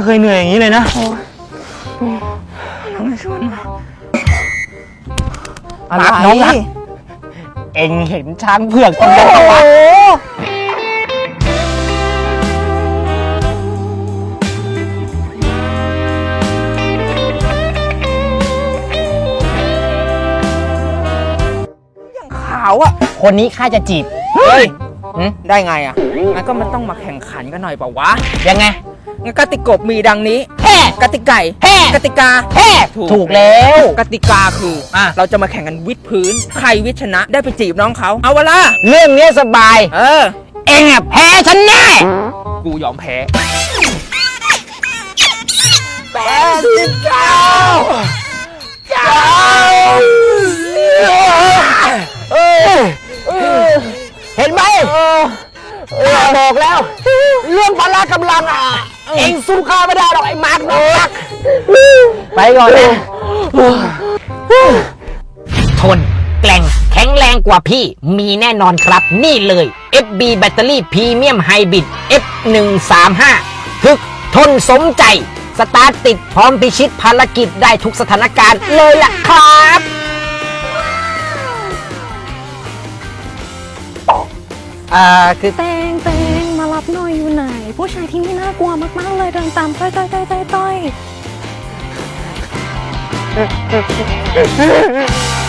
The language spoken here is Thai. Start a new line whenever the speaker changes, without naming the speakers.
เคยเหนื่อยอย่างนี้เลยนะ
น้องชวนมา
อะไรน้องรักเอ็งเห็นช้างเผือกตรงนั้นปะวะ
ขาวอ่ะ
คนนี้ข้าจะจีบ
เฮ้ยได้ไงอ่ะงั้นก็มันต้องมาแข่งขันกันหน่อยเปล่าวะ
ยังไง
งั้นกติกามีดังนี้กติกา
กติกาถูกแล้ว
กติกาคือเราจะมาแข่งกันวิดพื้นใครวิดชนะได้ไปจีบน้องเขาเอาวะล่ะ
เรื่องนี้สบายเอ็งอ่ะแพ้ฉันแน่
กูยอมแพ้
เห็นไหมบอกแล้วเรื่องพละกำลังอ่ะเอ็งสู้ข้าไม่ได้หรอกไอ้มาร์คน้องรักไปก่อนนะทนแกร่งแข็งแรงกว่าพี่มีแน่นอนครับนี่เลย FB แบตเตอรี่พรีเมียมไฮบริด F135 ทึกทนสมใจสตาร์ทติดพร้อมพิชิตภารกิจได้ทุกสถานการณ์เลยล่ะครับคือ
เตงมารับหน่อยอยู่ไหนผู้ชายที่นี่น่ากลัวมากๆเลยเดินตามต้อย